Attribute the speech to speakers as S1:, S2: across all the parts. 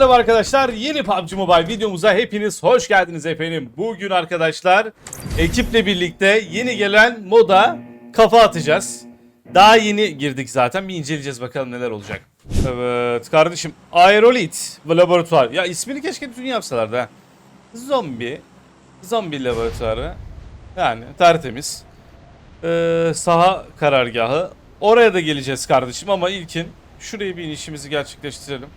S1: merhaba arkadaşlar. Yeni PUBG Mobile videomuza hepiniz hoş geldiniz efendim. Bugün arkadaşlar ekiple birlikte yeni gelen moda kafa atacağız. Daha yeni girdik zaten. Bir inceleyeceğiz bakalım neler olacak. Evet kardeşim. Aerolit laboratuvar. Ya ismini keşke bütün yapsalardı ha. Zombi laboratuvarı. Yani tertemiz. Saha karargahı. Oraya da geleceğiz kardeşim ama ilkin şuraya bir inişimizi gerçekleştirelim.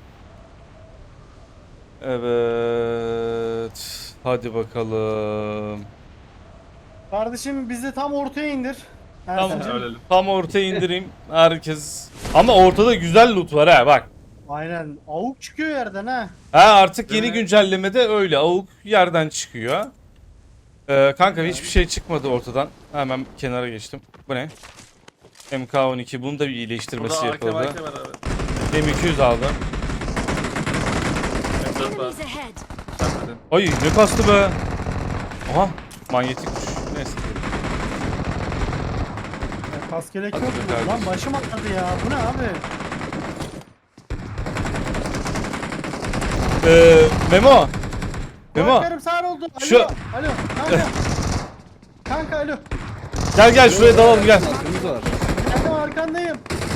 S1: Evet. Hadi bakalım.
S2: Kardeşim bizi tam ortaya indir.
S1: Tam,
S2: Ersin'cim.
S1: tam ortaya indireyim. Herkes. Ama ortada güzel loot var ha bak.
S2: Aynen. Avuk çıkıyor yerden ha.
S1: Ha artık yeni
S2: Evet.
S1: güncellemede öyle avuk yerden çıkıyor. Kanka hiçbir şey çıkmadı ortadan. Hemen kenara geçtim. Bu ne? MK12 bunun da bir iyileştirmesi yapıldı.
S3: Var abi.
S1: M200 aldım.
S3: M4 var.
S4: Enemies ahead.
S3: Çarpmadın.
S1: Ay ne kastı be. Aha manyetikmiş. Neyse.
S2: Kaskelek yok
S1: Hadi
S2: mu?
S1: kardeşim.
S2: Lan başım atladı ya. Bu ne abi?
S1: Memo. Memo.
S2: Kulaklarım sağır oldu. Alo.
S1: Şu-
S2: Alo. Kanka. Kanka alo.
S1: Gel şuraya dalalım gel.
S2: Kanka arkandayım.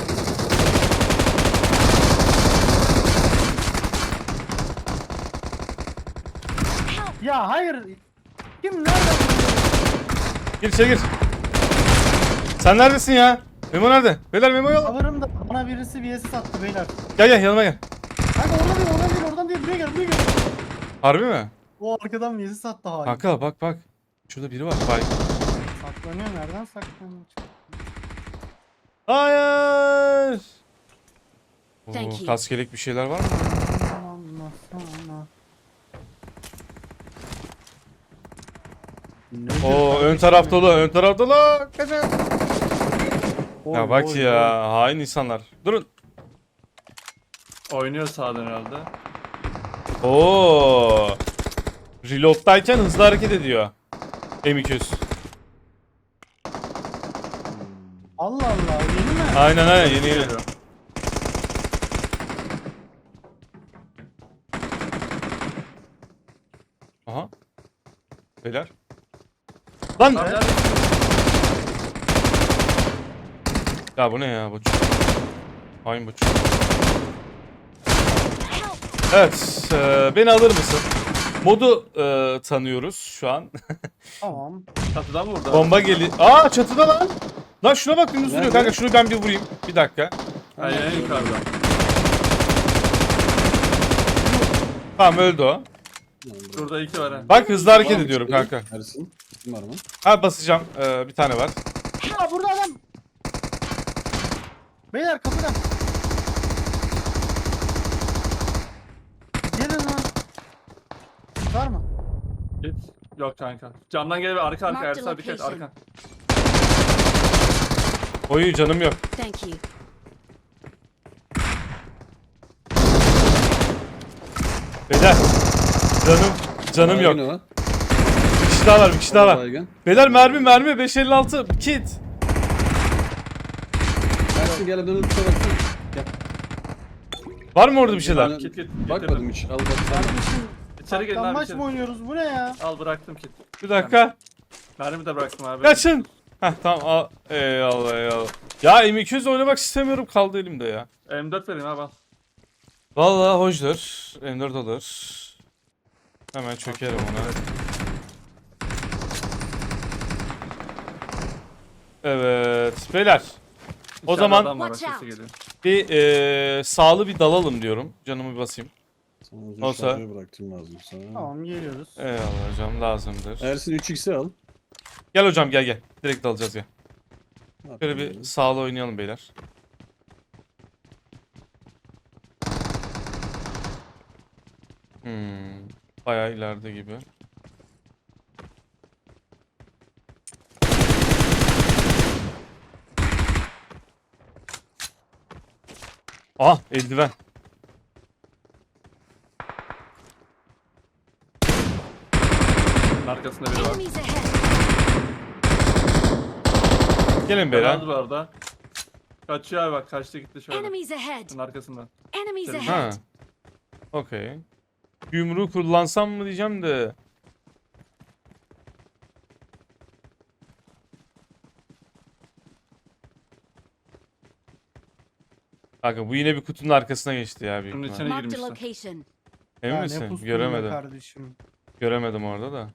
S2: Ya hayır. Kim nerede?
S1: Gir içeri gir. Sen neredesin ya? Memo nerede? Beyler Memo'yu al.
S2: Alırım da bana birisi VS sattı beyler.
S1: Gel yanıma gel.
S2: Kanka oradan değil buraya gel.
S1: Harbi mi?
S2: O arkadan VS sattı hain.
S1: Kanka bak. Şurada biri var. Bak.
S2: Saklanıyor nereden saklanıyor?
S1: Hayır.
S4: Thank you.
S1: Kaskelek bir şeyler var mı? Oo ön taraf dolu. Ön taraf dolu. Kaçın. Ya bak ya. Hain insanlar. Durun.
S3: Oynuyor sağdan herhalde.
S1: Oo. Reload'dayken hızlı hareket ediyor. M200.
S2: Allah Allah yeni mi?
S1: Aynen yeni.
S3: Geliyor.
S1: Aha. Beyler. Lan.
S3: Abi,
S1: Ya bu ne ya bu çocuk. Hain bu çocuk. Evet. Beni alır mısın? Modu tanıyoruz şu an.
S2: Tamam.
S3: Çatıdan mı vurdu?
S1: Bomba geliyor. Aa çatıda lan. Lan şuna bak dümdüz duruyor
S3: Nerede?
S1: kanka. Şunu ben bir vurayım. Bir dakika.
S3: Hayır en yukarıda.
S1: Tamam öldü o.
S3: Şurada iki var ha.
S1: Bak hızlı hareket ediyorum kanka.
S5: Ersin. Kim var mı?
S1: Ha basacağım. Bir tane var.
S2: Ya burada adam. Beyler kapıda. Gelin lan. Var mı?
S3: Git. Yok kanka. Camdan geliyor arka
S4: Mark
S3: Ersin
S4: the
S3: abi dikkat
S4: location.
S3: arka.
S1: Oyu canım yok.
S4: Thank you.
S1: Beyler. Canım yok.
S5: Baygın o.
S1: Bir kişi daha var. Bir kişi daha var.
S5: Baygın.
S1: Beyler mermi 556 kit.
S5: Ersin gel dönüp bir baksana. Gel.
S1: Var mı orada bir şeyler?
S5: Ben
S3: Kit.
S5: Bakmadım hiç. Al bak sen.
S2: Kardeşim.
S3: İçeri gelin abi
S2: Saklanmaç
S3: içeri.
S2: mı oynuyoruz? Bu ne ya?
S3: Al bıraktım kit.
S1: Bir dakika.
S3: Mermi de bıraktım abi.
S1: Kaçın. Heh tamam. Eyvallah. Ya M200 oynamak istemiyorum kaldı elimde ya.
S3: M4 vereyim abi al.
S1: Vallahi hoşdur. M4 olur. Hemen çökerim ona. Evet. Beyler. O
S3: İçeride
S1: zaman
S3: adam var, bak,
S4: Watch
S3: sesi
S4: out.
S3: geliyor.
S1: bir sağlı bir dalalım diyorum. Canımı basayım.
S5: Sana uzun
S1: Olsa.
S5: şarjı bıraktım lazım sana.
S2: Tamam geliyoruz.
S1: Eyvallah hocam lazımdır.
S5: Ersin 3x'i al.
S1: Gel hocam gel. Direkt dalacağız ya.
S5: Ne
S1: Böyle
S5: yapayım
S1: bir sağlı oynayalım beyler. Bayağı ileride gibi. Ah eldiven.
S3: Bunun arkasında biri var.
S4: Enemies ahead.
S1: Gelin beyler.
S3: Beyler. Bu arada. Kaçıyor abi bak kaçtı gitti şöyle.
S4: Enemies ahead.
S3: Bunun arkasından.
S4: Enemies
S3: Ha.
S1: Ha.
S4: ahead.
S1: Okey. Yumruğu kullansam mı diyeceğim de. Kanka bu yine bir kutunun arkasına geçti ya büyük
S3: Bunun
S1: ihtimal.
S3: içine
S4: Marked a
S3: girmişti.
S4: location.
S1: Emin
S2: Ya ne
S1: misin?
S2: pustun be
S1: Göremedim.
S2: kardeşim.
S1: Göremedim orada da.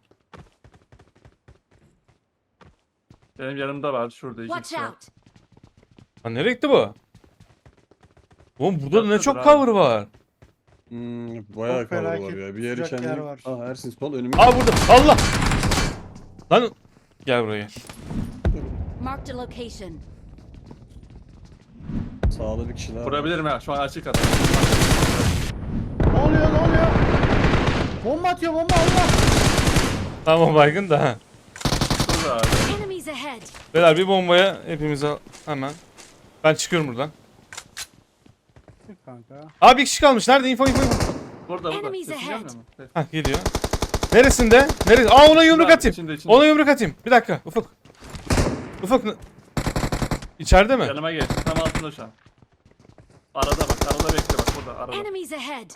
S3: Benim yanımda var şurada iki
S4: Watch
S3: kişi var.
S4: out.
S1: Ha nereye gitti bu? Oğlum burada ne
S3: Çatıdır
S1: çok
S3: abi.
S1: cover var.
S5: Bayağı
S2: Çok
S5: cover var
S2: felaket
S5: ya. Bir yeri
S2: sıcak yer
S5: kendini...
S2: var.
S5: Aa Ersin sol önüme.
S1: Aa burada. Allah. Lan gel buraya gel.
S4: Marked a location.
S5: Sağda bir kişi daha var.
S3: Vurabilirim ya şu an açık adam.
S2: Ne oluyor ne oluyor? Bomba atıyor bomba Allah.
S1: Tamam baygın da.
S3: Şurada abi.
S4: Enemies ahead.
S1: Beyler bir bombaya hepimize hemen. Ben çıkıyorum buradan.
S2: Kanka.
S1: Abi bir kişi kalmış. Nerede? Info.
S3: Burada.
S4: Enemies
S3: Sesin
S4: ahead.
S3: gelmiyor mu? Evet.
S1: Hah geliyor. Neresinde? Neresi? Aa ona yumruk
S3: İçinde,
S1: atayım.
S3: içinde.
S1: Ona yumruk atayım. Bir dakika Ufuk. Ufuk. İçeride mi?
S3: Yanıma geç. Tam altında şu an. Arada bak. Arada bekle bak. Burada arada.
S4: Enemies ahead.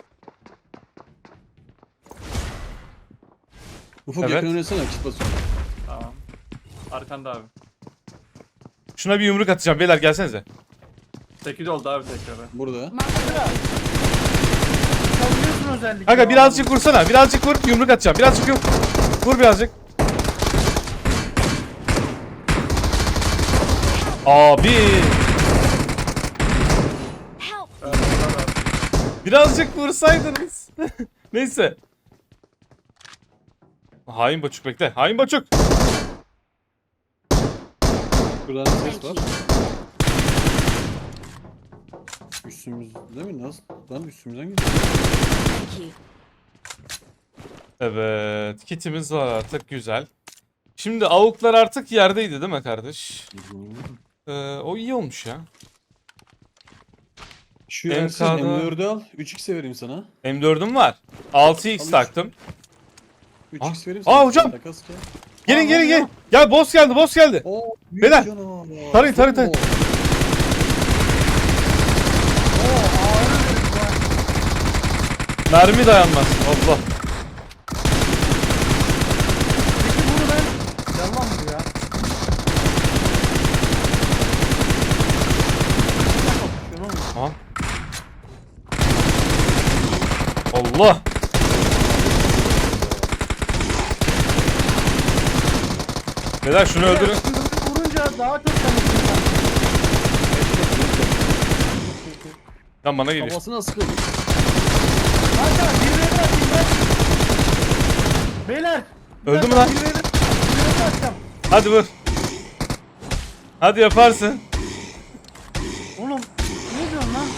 S5: Ufuk
S1: Evet.
S5: yakın oynasana kit basıyorum.
S3: Tamam. Arkanda abi.
S1: Şuna bir yumruk atacağım. Beyler gelsenize.
S3: 8 oldu abi tekrar.
S5: Burada.
S4: Marked a
S2: Savunuyorsun özellikle.
S1: Kanka birazcık vursana. Birazcık vur. Yumruk atacağım. Birazcık vur. Vur birazcık. Abi.
S4: help.
S1: Birazcık vursaydınız. Neyse. Hain Baçuk bekle. Hain Baçuk.
S5: Buradan ses
S4: Thank
S5: var.
S4: you.
S5: Üstümüz değil mi? Nasıl? Lan üstümüzden gidiyor.
S4: Thank you.
S1: Evet. Kitimiz var artık. Güzel. Şimdi avuklar artık yerdeydi değil mi kardeş? O iyi olmuş ya.
S5: Şu
S1: MK'da
S5: Ersin M4'ü al. 3x'e vereyim sana.
S1: M4'üm var. 6x
S5: Al
S1: taktım.
S5: 3x vereyim
S1: Aa,
S5: sana.
S1: hocam.
S5: Takas ki.
S1: Gelin
S2: Aa,
S1: gelin
S2: ne
S1: gelin.
S2: oluyor?
S1: Ya boss geldi boss geldi.
S5: Oo, büyük
S1: Beyler,
S5: canavar.
S1: tarayın, tarayın, tarayın. Mermi dayanmaz. Allah.
S2: Peki bunu ben... Yalan bu ya.
S1: Aha. Allah. Beyler şunu öldürün.
S2: Vurunca daha çok tanırsın.
S1: Lan bana geliyor.
S5: Kafasına sıkıldı.
S2: Kanka bir ve bir atayım ben. Beyler.
S1: Öldü mü lan?
S2: Bir ve bir atacağım.
S1: Hadi vur. Hadi yaparsın.
S2: Oğlum ne diyorsun lan?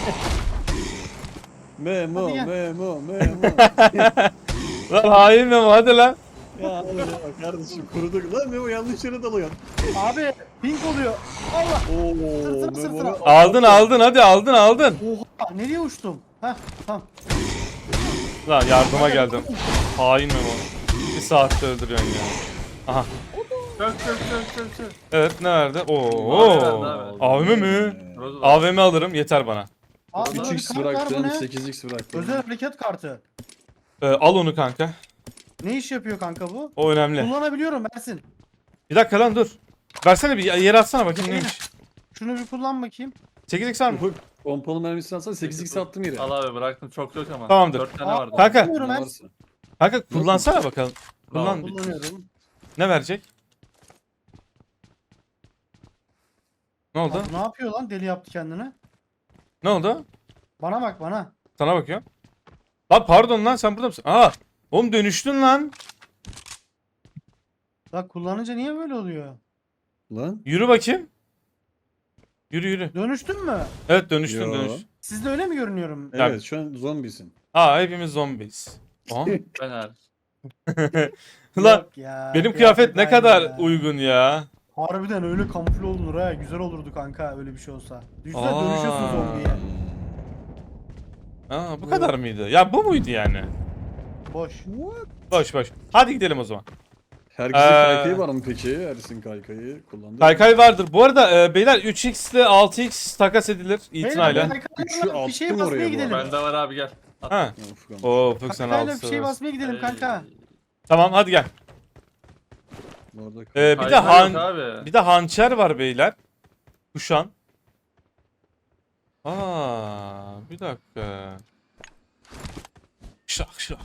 S5: Memo,
S2: Hadi gel.
S5: memo, memo.
S1: Lan hain mi bu? Hadi lan.
S5: Ya hadi ya kardeşim kuruduk. Lan Memo yanlış yere dalıyorsun.
S2: Abi pink oluyor. Allah.
S5: Oo,
S2: Sırtına, sırtına.
S5: Memo'yu
S1: Aldın aldın hadi aldın aldın.
S2: Oha nereye uçtum? Heh tamam.
S1: Lan yardıma geldim. Hain mi bu? Bir saatte öldürüyorsun ya. Aha.
S3: Çök.
S1: Evet ne verdi? Oo.
S3: Abi.
S1: AVM mi?
S3: Rozu var.
S1: AVM alırım yeter bana.
S2: Aa, burada bir
S5: 3x
S2: kart var, bu
S5: bıraktım,
S2: ne?
S5: 8x bıraktım.
S2: Özel harekat kartı.
S1: Al onu kanka.
S2: Ne iş yapıyor kanka bu?
S1: O önemli.
S2: Kullanabiliyorum Ersin.
S1: Bir dakika lan dur. Versene bir yere atsana bakayım neymiş.
S2: Şunu bir kullan bakayım.
S1: 8x var mı?
S5: Ufuk, pompalı mermisini alsana 8x attım yere.
S3: Al abi bıraktım çok yok ama.
S1: Tamamdır.
S3: 4 tane
S2: Aa,
S3: vardı.
S1: Kanka.
S2: Kullanıyorum
S5: Ne
S2: Ersin.
S5: varsa.
S1: Kanka kullansana bakalım.
S3: Tamam.
S1: Kullan.
S2: Kullanıyorum.
S1: Ne verecek? Ne oldu?
S2: Abi, ne yapıyor lan? Deli yaptı kendini.
S1: Ne oldu?
S2: Bana bak bana.
S1: Sana bakıyorum. Lan pardon lan sen burada mısın? Aa. Oğlum dönüştün lan.
S2: Bak kullanınca niye böyle oluyor?
S5: Lan.
S1: Yürü bakayım. Yürü yürü.
S2: Dönüştün mü?
S1: Evet dönüştün
S5: Yo.
S1: dönüş.
S2: Sizde öyle mi görünüyorum?
S1: Ya-
S5: Evet şu an zombisin.
S1: Aa hepimiz zombiyiz. Aha.
S3: Ben hariç.
S1: Lan
S2: Yok ya,
S1: benim kıyafet ne
S2: aynı
S1: kadar
S2: ya.
S1: uygun ya.
S2: Harbiden öyle kamufle olunur ha. Güzel olurdu kanka öyle bir şey olsa. Düşünsene
S1: Aa.
S2: dönüşüyorsun zombiye.
S1: Aa bu kadar mıydı? Ya bu muydu yani?
S2: Boş.
S1: Boş boş. Hadi gidelim o zaman.
S5: Herkesin
S1: Ee,
S5: kaykayı var mı peki? Ersin kaykayı kullandı.
S1: Kaykay vardır. Bu arada beyler 3x ile 6x takas edilir itinayla.
S2: Beyler,
S5: Üçü
S2: bir şey
S5: attım
S2: basmaya
S5: oraya bu
S2: gidelim.
S5: arada.
S3: Bende var abi gel.
S1: Ha.
S5: Ya, Ufuk ama.
S1: Oo Ufuk sen
S2: Kankayla
S1: altı
S2: bir şey
S1: seversin.
S2: basmaya gidelim kanka.
S1: Tamam hadi gel.
S5: Bu arada
S1: Bir de
S3: Hayvan yok abi.
S1: bir de hançer var beyler. Kuşan. Aa, bir dakika. Şak şak.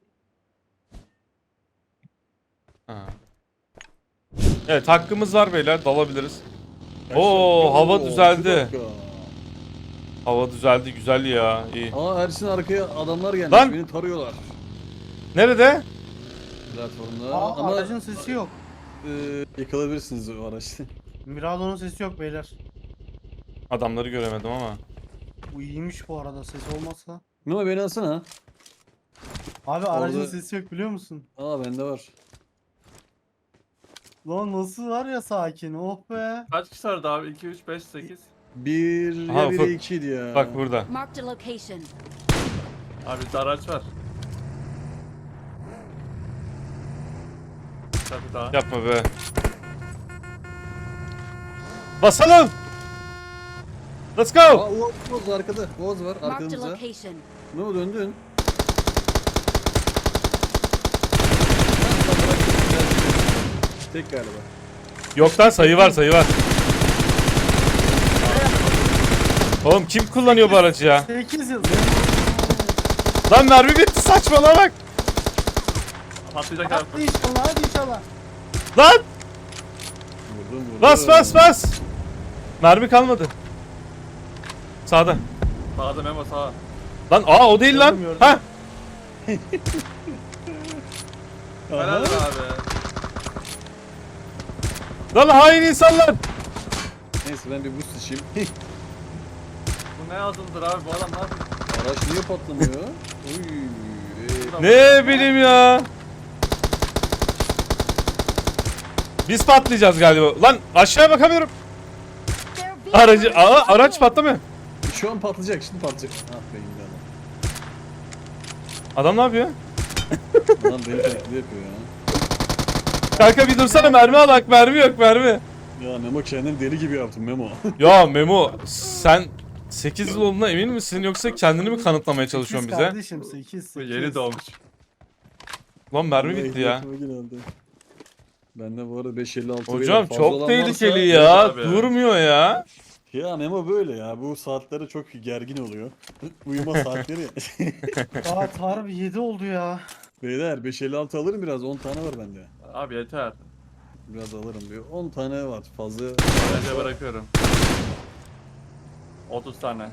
S1: Ha. Evet hakkımız var beyler dalabiliriz. Oo hava
S5: bir
S1: düzeldi.
S5: dakika.
S1: Hava düzeldi güzel ya iyi.
S5: Aa Ersin arkaya adamlar gelmiş.
S1: Lan!
S5: Beni tarıyorlar.
S1: Nerede?
S5: Platformda.
S2: Aa,
S5: Ama
S2: aracın sesi yok.
S5: yakalayabilirsiniz o araçta.
S2: Mirado'nun sesi yok beyler.
S1: Adamları göremedim ama.
S2: Bu iyiymiş bu arada ses olmazsa.
S5: Memo beni alsana.
S2: Abi aracın
S5: Orada-
S2: sesi yok biliyor musun?
S5: Aa bende var.
S2: Lan nasıl var ya sakin oh be.
S3: Kaç kişi vardı abi? 2, 3, 5, 8.
S5: Bir
S1: Aha,
S5: ya biri
S1: Ufuk.
S5: 2'ydi ya.
S1: Bak burada.
S4: Marked a location.
S3: Abi bir de araç var. Tabii daha.
S1: Yapma be. Basalım. Let's go.
S5: Aa Oğuz arkada. Oğuz var
S4: Marked a
S5: arkamızda.
S4: location.
S5: Memo döndün. Tek galiba.
S1: Yok lan sayı var sayı var. Oğlum kim kullanıyor bu aracı ya?
S2: 8 yıl.
S1: Lan mermi bitti saçmalama bak.
S3: Patlayacak abi.
S2: Hadi inşallah hadi inşallah.
S1: Lan
S5: Vurdum vurdum.
S1: bas bas bas. Mermi kalmadı. Sağda.
S3: Sağda Memo sağa.
S1: Lan o değil lan.
S2: Gördüm, gördüm.
S1: Ha.
S3: Helal abi.
S1: Lan hain insanlar.
S5: Neyse ben bir boost içeyim.
S3: Bu ne yazıldır abi? Bu adam ne yapıyor?
S5: Araç niye patlamıyor? Uy.
S1: Ne bileyim ya. Biz patlayacağız galiba. Lan aşağıya bakamıyorum.
S4: Their vehicle
S1: Aracı
S4: is
S1: araç
S4: destroyed.
S1: patlamıyor.
S5: Şu an patlayacak şimdi patlayacak. Ah be indi
S1: Adam ne yapıyor?
S5: adam. Adam beni taklidi yapıyor ya.
S1: Kanka bir dursana mermi al bak mermi yok mermi.
S5: Ya Memo kendini deli gibi yaptın Memo.
S1: Ya Memo sen 8 yıl olduğuna emin misin yoksa kendini mi kanıtlamaya çalışıyorsun
S2: 8
S1: bize?
S2: kardeşim 8.
S3: Bu yeni doğmuş.
S1: Lan mermi bitti ya.
S5: Bende bu arada 556
S1: Hocam
S5: fazla
S1: çok
S5: olan
S1: tehlikeli
S5: varsa-
S1: ya.
S3: Evet abi.
S1: Durmuyor ya.
S5: Ya Memo böyle ya. Bu saatlere çok gergin oluyor. Uyuma saatleri ya.
S2: Saat harbi 7 oldu ya.
S5: Beyler 556 alırım biraz. 10 tane var bende.
S3: Abi yeter.
S5: Biraz alırım diyor. 10 tane var. Fazla.
S3: Bence bırakıyorum. 30 tane.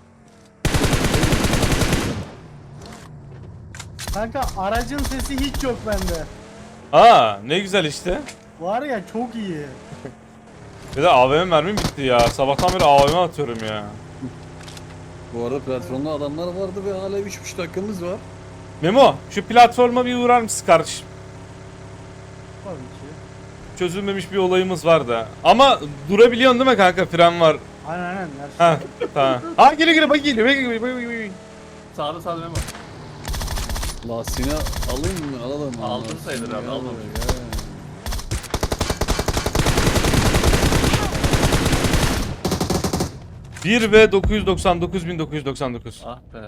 S2: Kanka aracın sesi hiç yok bende.
S1: Ne güzel işte.
S2: Var ya çok iyi.
S1: Bir de AVM mermim bitti ya. Sabahtan beri AVM atıyorum ya.
S5: Bu arada platformda adamlar vardı ve hala 3,5 dakikamız var.
S1: Memo şu platforma bir uğrar mısın kardeşim?
S2: Tabii ki.
S1: Çözülmemiş bir olayımız var da. Ama durabiliyorsun değil mi kanka? Fren var.
S2: Aynen aynen. Her şey.
S1: Ha tamam. Aa geliyor bak geliyor. Bak.
S3: Sağda sağda Memo.
S5: Lastiğini alayım mı? Alalım.
S3: Aldın
S5: Lastiğini
S3: sayılır abi,
S5: ya,
S3: aldın.
S5: ya.
S1: Bir ve 999.999.
S3: Ah be.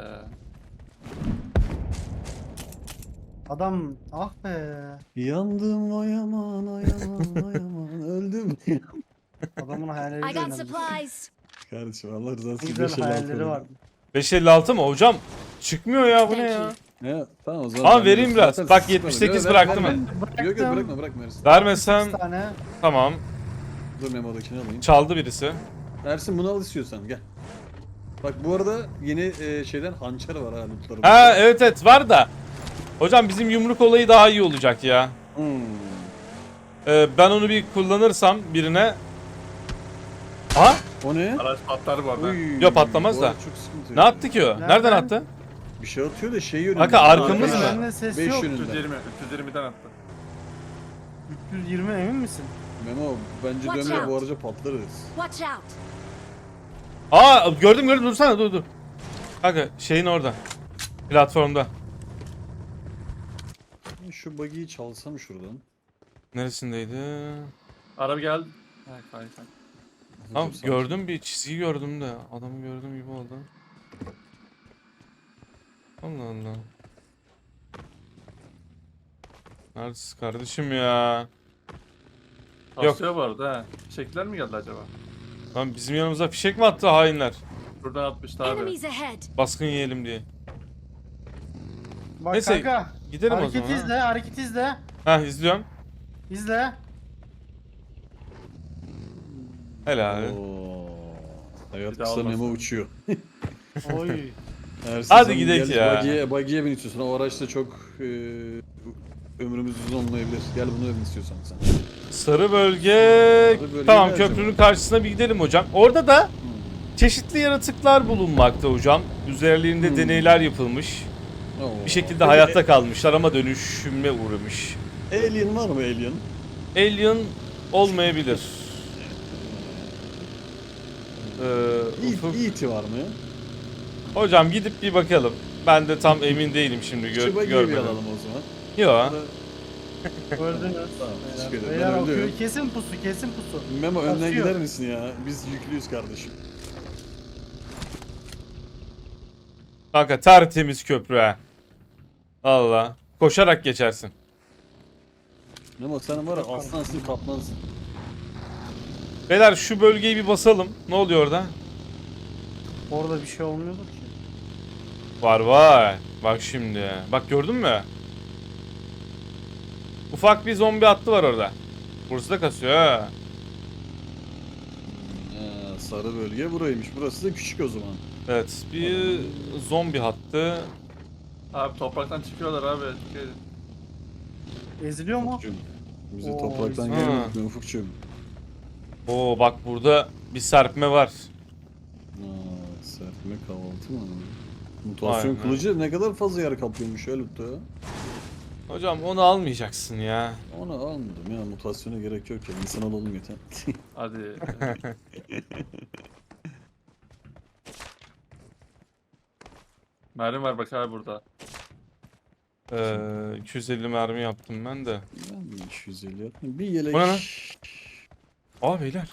S2: Adam ah be.
S5: Yandım ay aman ay aman ay aman öldüm.
S2: Adamın hayalleri
S4: I got
S2: önemli.
S4: supplies.
S5: Kardeşim Allah rızası
S2: Ne
S5: için
S2: güzel
S5: 556
S2: hayalleri vardı.
S1: 556 mı hocam? Çıkmıyor ya bu ne
S4: Thank
S1: ya?
S4: you.
S5: Ya tamam o zaman.
S1: Ama
S5: ben
S1: vereyim
S5: de-
S1: biraz.
S5: zaten
S1: Bak,
S5: sıkmadım.
S1: 78
S5: Yok,
S1: bıraktım
S5: verme. Yok
S2: Bıraktım.
S5: bırakma bırakma Ersin.
S1: Vermesem
S2: 8 tane.
S1: tamam.
S5: Dur Memo'dakini alayım.
S1: Çaldı birisi.
S5: Ersin bunu al istiyorsan gel. Bak bu arada yeni şeyden hançer var ha lootlarımızda.
S1: Ha evet var da. Hocam bizim yumruk olayı daha iyi olacak ya.
S5: Hmm.
S1: Ben onu bir kullanırsam birine. Aha
S5: O ne?
S3: Araç patlar bu arada.
S5: Uy,
S1: Yok, patlamaz
S5: bu
S1: da.
S5: arada çok sıkıntı
S1: ne
S5: ya.
S1: attı ki o? Nereden
S2: Nereden?
S1: attı?
S5: Bir şey atıyor da şey yönünden.
S1: Kanka, arkamız
S5: Beş-
S1: mı?
S2: Bende ses
S5: beş
S2: yok.
S5: yönünden.
S3: 320. 320'den attı.
S2: 320 emin misin?
S5: Memo bence
S4: Watch
S5: dönme bu
S4: out.
S5: araca patlarız.
S4: Watch out.
S1: Gördüm dursana dur. Kanka şeyin orada. Platformda.
S5: Şu buggy'yi çalsam şuradan.
S1: Neresindeydi?
S3: Araba geldi. Hayır.
S1: Tamam
S5: Dur,
S1: gördüm bir çizgi gördüm de adamı gördüm gibi oldu. Allah Allah. Neredesin kardeşim ya? Yok.
S3: Kasıyor bu arada ha. Fişekler mi geldi acaba?
S1: Lan bizim yanımıza fişek mi attı hainler?
S3: Buradan atmıştı abi.
S4: Enemies ahead.
S1: Baskın yiyelim diye.
S2: Bak
S1: Neyse,
S2: kanka.
S1: gidelim o
S2: Hareket
S1: zaman, ha.
S2: izle, hareket izle.
S1: Heh izliyorum.
S2: İzle.
S1: Helal.
S5: Oo. Hayat
S3: Bir daha
S5: kısa
S3: olmasın.
S5: Memo uçuyor.
S2: Oy.
S5: Her
S1: Hadi
S5: sezon
S1: gidelim
S5: gel,
S1: ya.
S5: Buggy'ye bin istiyorsun. O araçta çok ömrümüz uzun olmayabilir. Gel bunu bin istiyorsan sen.
S1: Sarı bölge.
S5: bölge
S1: Tamam,
S5: ne
S1: köprünün
S5: acaba?
S1: karşısına bir gidelim hocam. Orada da çeşitli yaratıklar bulunmakta hocam. Üzerlerinde deneyler yapılmış.
S5: Oo.
S1: Bir şekilde hayatta kalmışlar ama dönüşüme uğramış.
S5: Alien var mı Alien?
S1: Alien olmayabilir. Ufuk.
S5: E.T. var mı?
S1: Hocam gidip bir bakalım. Ben de tam emin değilim şimdi
S5: Şu buggy'yi bir
S1: görmedim.
S5: alalım o zaman.
S1: Yok.
S2: Gördünüz.
S5: Tamam, teşekkür ederim.
S2: Beyler
S5: Ben
S2: okuyor.
S5: öldüm.
S2: Kesin pusu, kesin pusu.
S5: Memo önden
S2: Kasıyor.
S5: gider misin ya? Biz yüklüyüz kardeşim.
S1: Kanka tertemiz köprü ha. Allah. Koşarak geçersin.
S5: Memo sen var ya aslansın kaplansın.
S1: Beyler şu bölgeyi bir basalım. Ne oluyor orada?
S2: Orada bir şey olmuyordu ki.
S1: Var var. Bak şimdi. Bak gördün mü? Ufak bir zombi hattı var orada. Burası da kasıyor ha.
S5: Sarı bölge buraymış. Burası da küçük o zaman.
S1: Evet, bir zombi hattı.
S3: Abi topraktan çıkıyorlar abi. Dikkat edin.
S2: Eziliyor mu?
S5: Ufukcuğum. Bize
S2: Oo,
S5: topraktan
S1: ha.
S5: gelmedik mi Ufukcuğum?
S1: Oo bak burada bir serpme var.
S5: Serpme kahvaltı mı? Mutasyon
S1: Aynen.
S5: kılıcı ne kadar fazla yer kaplıyormuş ya lütfen.
S1: Hocam onu almayacaksın ya.
S5: Onu almadım ya mutasyona gerek yok ya insan olalım yeter.
S3: Hadi. Mermi var bak abi burada.
S1: 250 mermi yaptım ben de.
S5: Ben de 250 yaptım. Bir yelek.
S1: O ne lan? Aa beyler.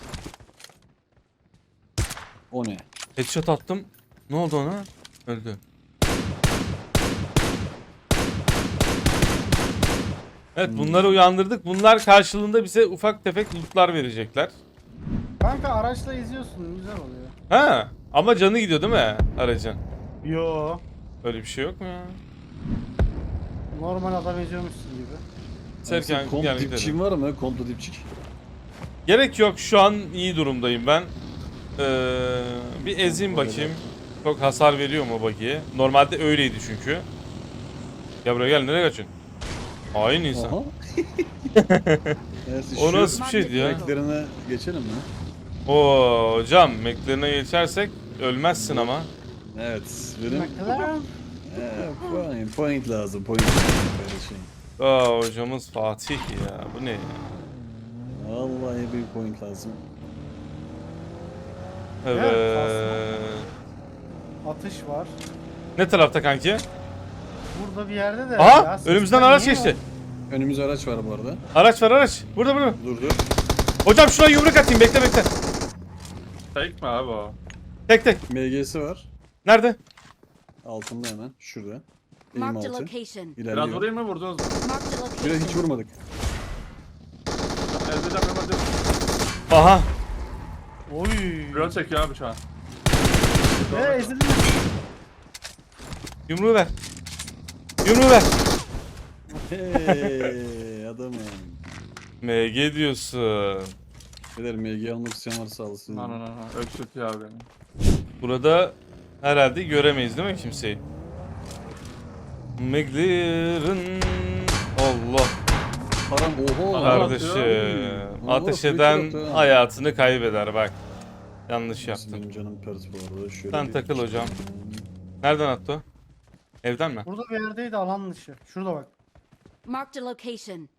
S5: O ne?
S1: Headshot attım. Ne oldu ona? Öldü. Evet bunları uyandırdık. Bunlar karşılığında bize ufak tefek lootlar verecekler.
S2: Kanka araçla izliyorsun, güzel oluyor.
S1: Ha, ama canı gidiyor değil mi aracın?
S2: Yo.
S1: Öyle bir şey yok mu ya?
S2: Normal adam eziyormuşsun gibi.
S1: Serken
S5: Komp
S1: gel
S5: dipçiğin
S1: gidelim.
S5: var mı? Komplo dipçik.
S1: Gerek yok, şu an iyi durumdayım ben. Bir ezeyim bakayım. Çok hasar veriyor mu bagiye? Normalde öyleydi çünkü. Ya buraya gel, nereye kaçıyorsun? Hain insan.
S5: Aha. Neyse,
S1: O
S5: şu
S1: nasıl bir şeydi ya?
S5: Eklerine geçelim mi?
S1: Oo hocam, Mac'lerine geçersek ölmezsin ama.
S5: Evet. Benim
S2: McLaren.
S5: point lazım. Point lazım böyle şey.
S1: Aa hocamız Fatih ya, bu ne ya?
S5: Vallahi bir point lazım.
S1: Evet.
S2: Atış var.
S1: Ne tarafta kanki?
S2: Burada bir yerde de.
S1: Aha,
S2: ya,
S1: önümüzden
S2: sesler
S1: araç
S2: niye
S1: geçti.
S5: Önümüzde araç var bu arada.
S1: Araç var, araç. Burada burada.
S5: Dur dur.
S1: Hocam şuna yumruk atayım, bekle bekle.
S3: Fake mi abi o?
S1: Tek tek.
S5: MG'si var.
S1: Nerede?
S5: Altında hemen. Şurada. Eğim
S4: Marked a
S5: altı.
S4: location.
S3: Biraz
S5: İlerliyor.
S3: vurayım mı vurdunuz mu?
S4: Marked a
S5: Biraz hiç
S4: location.
S5: vurmadık.
S3: Ezeceğim hemen diyorum.
S1: Aha.
S2: Oy.
S3: Drone çekiyor abi şu an.
S2: Ezildi.
S1: Yumruğu ver. Yumruğu ver.
S5: Hey adamım.
S1: MG diyorsun.
S5: Beyler MG almak isteyen varsa alsın.
S3: No. Öksürtüyor abi beni.
S1: Burada herhalde göremeyiz değil mi kimseyi? McLaren. Allah
S5: Param oho.
S3: Param
S1: kardeşim.
S5: Oo,
S1: Ateş
S5: switch
S1: eden
S5: yaptı ha.
S1: hayatını kaybeder bak. Yanlış yaptın.
S5: Benim canım pert bu arada. Şöyle
S1: Sen
S5: bir-
S1: takıl hocam. Nereden attı o? Evden mi?
S2: Burada bir yerdeydi alan dışı. Şurada bak.
S4: Marked a location.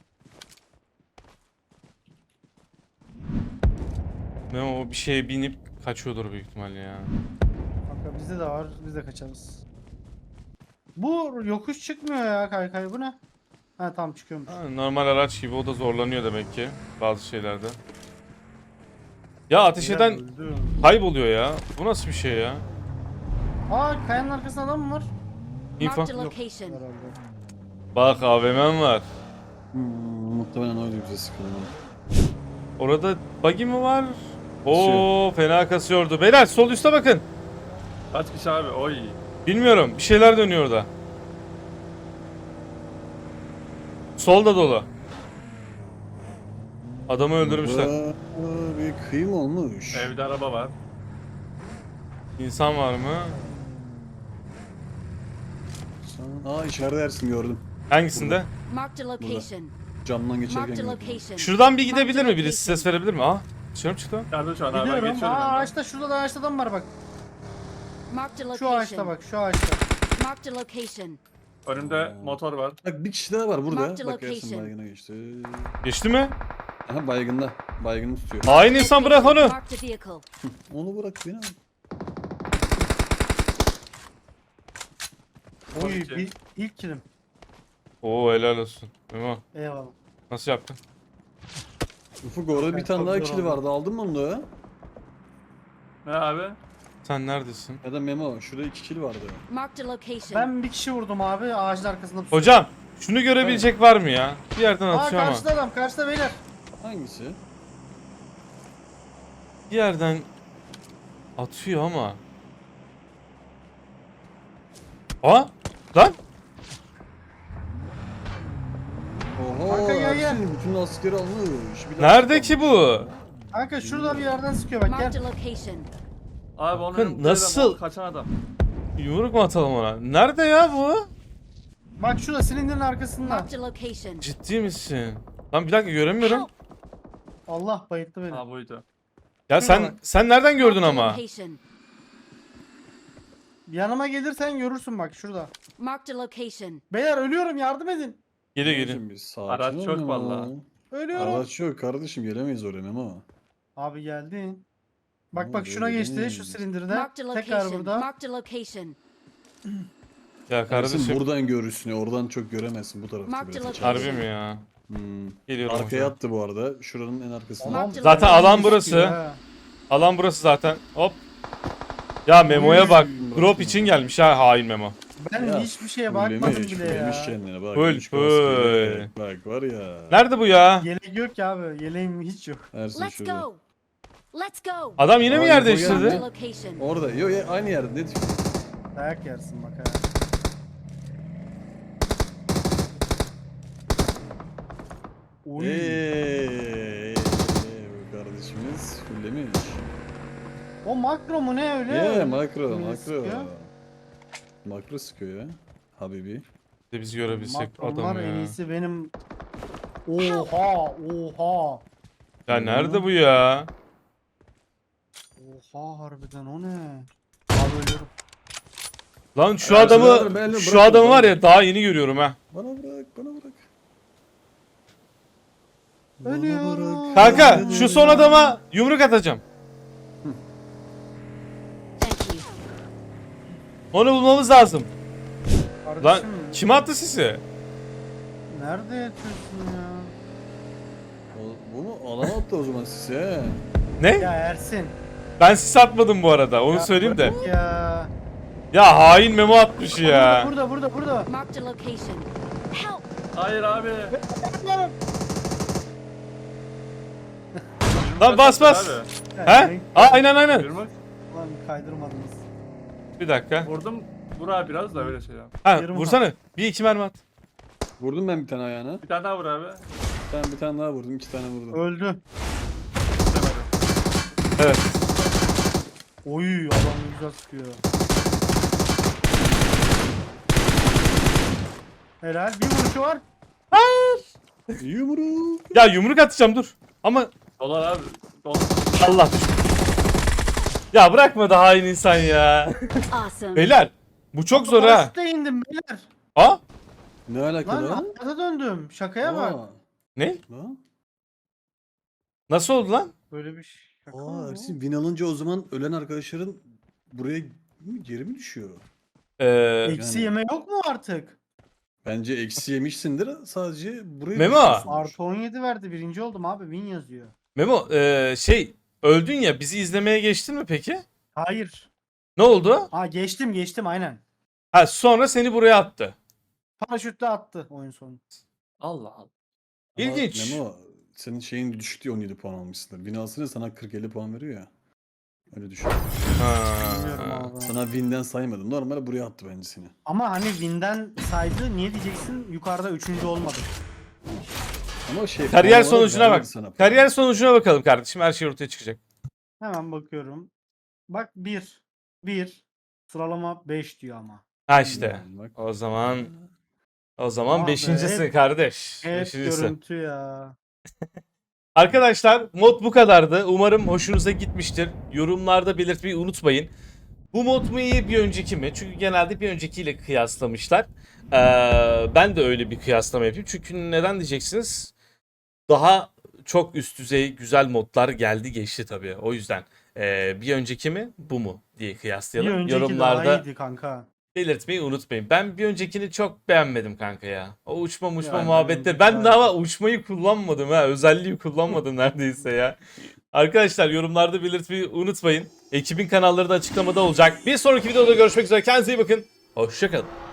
S1: Ne o, bir şeye binip kaçıyordur büyük ihtimalle ya.
S2: Kanka bizde de var. Biz de kaçarız. Bu yokuş çıkmıyor ya kaykay. Bu ne? Ha tamam çıkıyormuş.
S1: Ha, normal araç gibi o da zorlanıyor demek ki bazı şeylerde. Ya ateş
S2: Beyler
S1: eden
S2: öldü.
S1: kayboluyor ya. Bu nasıl bir şey ya?
S2: Aa kayanın arkasında adam mı var?
S1: Info.
S4: Marked a location.
S2: Herhalde.
S1: Bak AVM'm var.
S5: Muhtemelen öyle bize sıkıldı.
S1: Orada buggy mi var? Oo fena kasıyordu. Beyler sol üste bakın.
S3: Kaç kişi abi? Oy.
S1: Bilmiyorum. Bir şeyler dönüyor orada. Sol da dolu. Adamı öldürmüşler.
S5: Burada bir kıyım olmuş.
S3: Evde araba var.
S1: İnsan var mı?
S5: Aa içeride Ersin gördüm.
S1: Hangisinde?
S4: Marked a location.
S5: Camdan geçerken
S4: Marked a
S5: gördüm.
S4: location.
S1: Şuradan bir gidebilir mi? Birisi ses verebilir mi? Aa, dışarı mı çıktı? o?
S3: Nerede şu an abi? Ben
S2: Gidiyorum.
S3: geçiyorum.
S2: Aa
S3: yandan.
S2: ağaçta, şurada da ağaçta adam var bak.
S4: Marked a
S2: Şu ağaçta
S4: location.
S2: bak, şu ağaçta.
S4: Marked a location.
S3: Önümde motor var.
S5: Bak bir kişi daha var burada.
S4: Marked
S5: Bak Ersin
S4: location.
S5: baygına geçti.
S1: Geçti mi?
S5: Aha baygında. Baygını tutuyor.
S1: Hain insan bırak onu.
S4: Marked a vehicle.
S5: Onu bırak beni al.
S2: Oy,
S3: 12.
S2: bir ilk kilim.
S1: Oo helal olsun. Memo
S2: Eyvallah.
S1: nasıl yaptın?
S5: Ufuk orada bir
S2: Evet,
S5: tane daha
S2: çok zor
S5: kili
S2: oldu.
S5: vardı. Aldın mı onu da?
S3: Ne abi?
S1: Sen neredesin?
S5: Ya da Memo. Şurada 2 kili vardı.
S4: Marked a location.
S2: Ben bir kişi vurdum abi ağacın arkasında. pusu.
S1: Hocam şunu görebilecek var mı ya? Bir yerden
S2: Aa
S1: atıyor ama.
S2: karşıda adam, karşıda beyler.
S5: Hangisi?
S1: Bir yerden atıyor ama. Aa lan.
S5: Oha
S2: Kanka gel, gel.
S5: Ersin bütün askeri almış. Bir
S1: Nerede
S5: dakika.
S1: ki bu?
S2: Kanka şurada bir yerden sıkıyor bak
S4: Marked
S2: gel.
S4: a location.
S3: Abi onun
S1: Bakın,
S3: önünde
S1: nasıl-
S3: de kaçan adam.
S1: Yumruk mu atalım ona? Nerede ya bu?
S2: Bak şurada silindirin arkasında.
S4: Marked a location.
S1: Ciddi misin? Lan bir dakika göremiyorum.
S2: Allah bayılttı beni.
S3: Ha buydu.
S1: Ya sen nereden gördün
S4: Marked a
S1: ama?
S4: location.
S2: Yanıma gelirsen görürsün bak şurada.
S4: Marked a location.
S2: Beyler ölüyorum yardım edin.
S1: Geliyor geliyor.
S5: Kardeşim, bir sakin
S3: Araç
S5: ol
S3: çok
S5: Memo.
S3: vallahi.
S2: Ölüyorum.
S5: Araç yok kardeşim gelemeyiz oraya Memo.
S2: Abi geldin. Bak
S5: Ama
S2: bak şuna
S5: böyle
S2: geçti
S5: demeyiz.
S2: şu silindirde.
S4: Marked a
S2: Tekrar
S4: location.
S2: burada.
S4: Marked a location.
S1: Ya
S5: Ersin
S1: kardeşim.
S5: buradan görürsün ya oradan çok göremezsin bu tarafta
S4: Mark the
S5: biraz.
S4: location.
S1: Harbi mi ya?
S5: Hmm.
S1: Geliyorum
S5: Arkaya
S1: hocam.
S5: attı bu arada. Şuranın en arkasında.
S4: Marked a
S1: Zaten
S4: location.
S1: alan burası.
S2: Ha.
S1: Alan burası zaten. Hop. Ya Memo'ya bak.
S5: Uy.
S1: Drop için gelmiş ha hain Memo.
S2: Ben
S5: Ya,
S2: hiçbir şeye bakmadım
S5: Fullemiş,
S2: bile
S5: fullemiş
S2: ya.
S5: kendine bak.
S1: Full,
S5: üç kaskıyla.
S1: full.
S5: Bak var ya.
S1: Nerede bu ya?
S2: Yelek yok ki abi. Yeleğim hiç yok.
S5: Ersin
S4: Let's
S5: şurada.
S4: go. Let's go.
S1: Adam yine mi
S5: Aa,
S1: yer
S5: info
S1: değiştirdi?
S4: Marked a
S5: geldi.
S4: location.
S5: Orada. Yo ya aynı yerde. Ne diyorsun?
S2: Dayak yersin bak ha. Oy.
S5: Bu kardeşimiz fullemiş.
S2: O makro mu ne öyle?
S5: Makro
S2: Öyle
S5: makro.
S2: sıkıyor.
S5: Makro sıkıyor ya. Habibi.
S1: De biz görebilsek
S2: Makronlar
S1: adam
S2: en
S1: ya.
S2: iyisi benim. Oha oha.
S1: Ya nerede bu ya?
S2: Oha harbiden o ne? Abi ölüyorum.
S1: Lan şu
S5: Ersin abi,
S1: adamı
S5: benle
S1: şu
S5: bırak
S1: adamı
S5: onu.
S1: var ya daha yeni görüyorum ha.
S5: Bana bırak bana bırak.
S2: Ölüyorum.
S1: Kanka şu son adama yumruk atacağım.
S4: Thank you.
S1: Onu bulmamız lazım. Lan
S2: Kardeşim,
S1: kim attı sizi?
S2: nerede yatıyorsun ya?
S5: Bu mu? Alana attı o zaman size.
S1: Ne?
S2: Ya Ersin.
S1: Ben sis atmadım bu arada. Onu
S2: Ya
S1: söyleyeyim de.
S2: bırak Ya.
S1: Ya hain Memo atmış ya.
S2: Burada.
S4: Marked a location. Help.
S3: Hayır abi.
S1: Lan bas bas.
S3: Abi.
S1: He? Aynen.
S3: Yürümek.
S2: Lan kaydırmadınız.
S1: Bir dakika.
S3: Vurdum. Vur abi biraz da öyle şey yap.
S1: Ha
S2: Yarım
S1: vursana. Bir iki mermi at.
S5: Vurdum ben bir tane ayağına.
S3: Bir tane daha vur abi.
S5: Ben bir tane daha vurdum. 2 tane vurdum.
S2: Öldü.
S3: Demedim.
S1: Evet.
S2: Oy adam güzel sıkıyor. Helal bir vuruşu var.
S5: Yumruk.
S1: Ya yumruk atacağım dur. Ama
S3: Dolar abi. Dolar.
S1: Allah düştü. Ya bırakma da hain insan ya.
S4: Awesome.
S1: Beyler bu çok zor ha.
S2: Paraşütle indim beyler.
S1: Ha?
S5: Ne alakalı
S2: Lan
S5: lan?
S2: hayata döndüm. Şakaya bak.
S5: Aa,
S1: Ne?
S5: Lan.
S1: Nasıl oldu lan?
S2: Böyle bir şaka mı
S5: Aa
S2: bu?
S5: Ersin win alınca o zaman ölen arkadaşların buraya geri mi düşüyor?
S2: Eksi
S5: Yani-
S2: yeme yok mu artık?
S5: Bence eksi yemişsindir sadece buraya
S1: Memo.
S5: düşüyorsundur.
S2: Artı 17 verdi. Birinci oldum abi. Win yazıyor.
S1: Memo öldün ya bizi izlemeye geçtin mi peki?
S2: Hayır.
S1: Ne oldu?
S2: Ha geçtim aynen.
S1: Ha sonra seni buraya attı.
S2: Paraşütle attı oyun sonu.
S3: Allah Allah.
S5: Ama
S1: İlginç.
S5: Memo, senin şeyin düştü diye 17 puan almışsındır. Binasını sana 40-50 puan veriyor ya. Öyle düşün.
S2: Bilmiyorum
S1: Ha.
S2: abi.
S5: Sana win'den saymadım. Normalde buraya attı bence seni.
S2: Ama hani Win'den saydı, niye diyeceksin? Yukarıda 3. olmadı.
S5: Ama şey
S1: Kariyer
S5: puan olarak
S1: sonucuna bak.
S5: vermedi sana puan.
S1: Kariyer sonucuna bakalım kardeşim. Her şey ortaya çıkacak.
S2: Hemen bakıyorum. Bak 1. Sıralama 5 diyor ama.
S1: Ha işte.
S5: Bak.
S1: O zaman
S2: Ah be,
S1: beşincisin
S2: hep-
S1: kardeş.
S2: Hep
S1: Beşincisin.
S2: görüntü ya.
S1: Arkadaşlar mod bu kadardı. Umarım hoşunuza gitmiştir. Yorumlarda belirtmeyi unutmayın. Bu mod mu iyi bir önceki mi? Çünkü genelde bir öncekiyle kıyaslamışlar. Ben de öyle bir kıyaslama yapayım. Çünkü neden diyeceksiniz? Daha çok üst düzey güzel modlar geldi geçti tabii. O yüzden bir önceki mi bu mu diye
S2: Bir
S1: kıyaslayalım.
S2: önceki daha
S1: Yorumlarda
S2: iyiydi kanka.
S1: belirtmeyi unutmayın. Ben bir öncekini çok beğenmedim kanka ya. O uçma
S2: Yani
S1: muhabbetleri.
S2: önceki
S1: Ben
S2: daha
S1: daha uçmayı kullanmadım ha. Özelliği kullanmadım neredeyse ya. Arkadaşlar yorumlarda belirtmeyi unutmayın. Ekibin kanalları da açıklamada olacak. Bir sonraki videoda görüşmek üzere. Kendinize iyi bakın. Hoşçakalın.